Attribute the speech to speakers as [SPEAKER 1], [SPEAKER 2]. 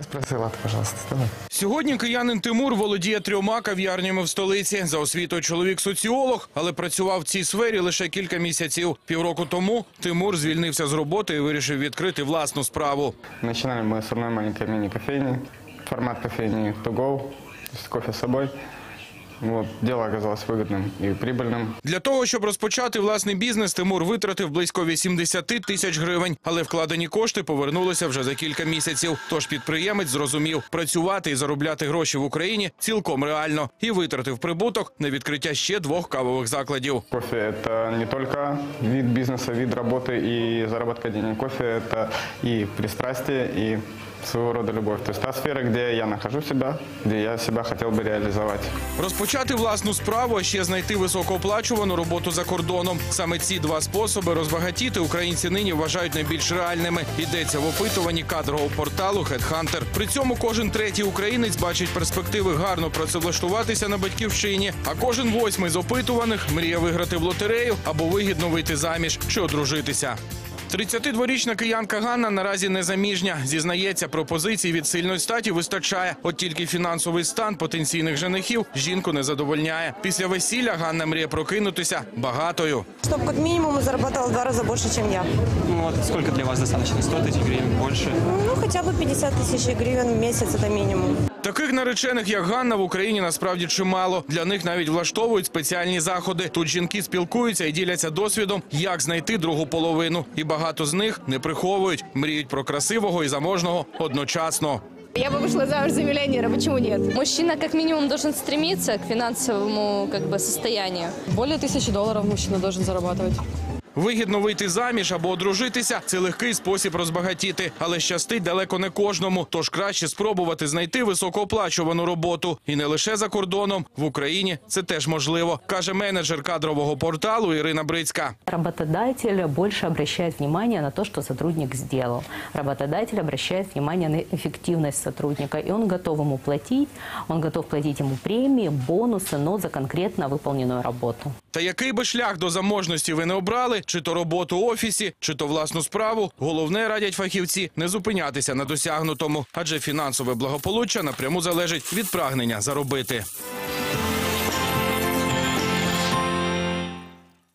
[SPEAKER 1] про салат, пожалуйста, давай.
[SPEAKER 2] Сьогодні киянин Тимур володіє 3 кав'ярнями в столиці. За освітою чоловік соціолог, але працював в цій сфері лише кілька місяців. Півроку тому Тимур звільнився з роботи і вирішив відкрити власну справу.
[SPEAKER 1] Начинали мы с одной маленькой мини-кофейни. Формат кофейни to go, то есть кофе с собой. Вот, дело оказалось выгодным и прибыльным.
[SPEAKER 2] Для того, щоб розпочати власний бізнес, Тимур витратив близько 80 тисяч гривень. Але вкладені кошти повернулися вже за кілька місяців. Тож підприємець зрозумів, працювати і заробляти гроші в Україні цілком реально. І витратив прибуток на відкриття ще 2 кавових закладів.
[SPEAKER 1] Кофе – это не только вид бизнеса, вид работы и заработка денег. Кофе – это и пристрастие, и своего рода любовь. То есть та сфера, где я нахожу себя, где я себя хотел бы реализовать.
[SPEAKER 2] Розпочати власну справу, а ще знайти високооплачувану роботу за кордоном. Саме ці 2 способи розбагатіти українці нині вважають найбільш реальними. Йдеться в опитуванні кадрового порталу HeadHunter. При цьому кожен 3-й українець бачить перспективи гарно працевлаштуватися на батьківщині, а кожен 8-й з опитуваних мріє виграти в лотерею або вигідно вийти заміж чи одружитися. 32-річна киянка Ганна наразі незаміжня. Зізнається, пропозицій від сильної статі вистачає. От тільки фінансовий стан потенційних женихів жінку не задовольняє. Після весілля Ганна мріє прокинутися багатою.
[SPEAKER 3] Чтобы как минимум заработала в 2 раза больше, чем я.
[SPEAKER 4] Ну вот сколько для вас достаточно? 100 тысяч гривен, больше?
[SPEAKER 3] Ну, хотя бы 50 тысяч гривен в месяц – это минимум.
[SPEAKER 2] Таких наречених, як Ганна, в Україні насправді чимало. Для них навіть влаштовують спеціальні заходи. Тут жінки спілкуються і діляться досвідом, як знайти другу половину. І багато з них не приховують, мріють про красивого і заможного одночасно.
[SPEAKER 5] Я бы вышла замуж за миллионера, почему нет?
[SPEAKER 6] Мужчина как минимум должен стремиться к финансовому состоянию.
[SPEAKER 7] Более $1000 мужчина должен зарабатывать.
[SPEAKER 2] Вигідно вийти заміж або одружитися – це легкий спосіб розбагатіти. Але щастить далеко не кожному. Тож краще спробувати знайти високооплачувану роботу. І не лише за кордоном. В Україні це теж можливо, каже менеджер кадрового порталу Ірина Брицька.
[SPEAKER 8] Работодатель больше обращает внимание на то, что сотрудник сделал. Работодатель обращает внимание на эффективность сотрудника. И он готов ему платить, он готов платить ему премии, бонусы, но за конкретно выполненную работу.
[SPEAKER 2] Та який би шлях до заможності ви не обрали, чи то роботу в офісі, чи то власну справу, головне, радять фахівці, не зупинятися на досягнутому. Адже фінансове благополуччя напряму залежить від прагнення заробити.